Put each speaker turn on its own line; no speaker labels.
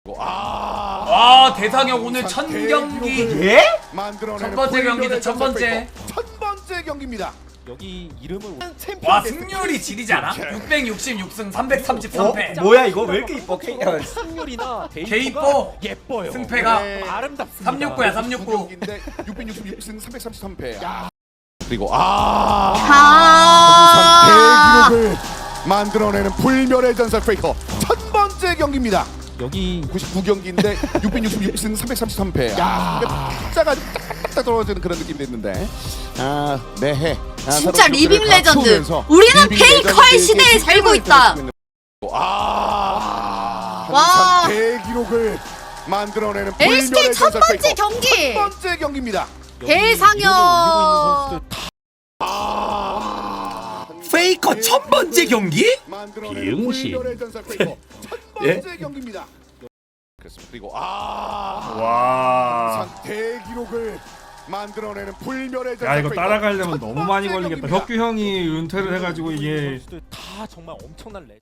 와 대상형 오늘 첫 경기.
예?
첫 번째 경기죠. 첫 번째
경기입니다.
여기 이름을
와 승률이 지리잖아. 666승 333패.
뭐야 이거 왜 이렇게 이뻐?
승률이나
개이뻐.
예뻐요.
승패가
아름답습니다.
369야 369.
666승 333패.
그리고
대기록을 만들어내는 불멸의 전설 페이커 첫 번째 경기입니다.
여기
99경기인데 666승 333패. 숫자가 딱딱 떨어지는 그런 느낌이 됐는데 매해
진짜 리빙 레전드. 우리는 페이커의 시대에 살고 있다. 와.
대기록을 만들어내는
LCK
불멸의
첫
전설
번째
페이커
경기.
첫 번째 경기입니다.
대상형.
페이커 첫 번째 경기?
비응시
예?
첫 번째 경기입니다.
그렇습니다. 그리고
와.
대기록을 만들어내는 불멸의 전설
야 이거
페이커
따라가려면
첫
너무
번째
많이 걸리겠다.
경기입니다.
혁규 형이 은퇴를 해가지고 이게
다 정말 엄청난 레.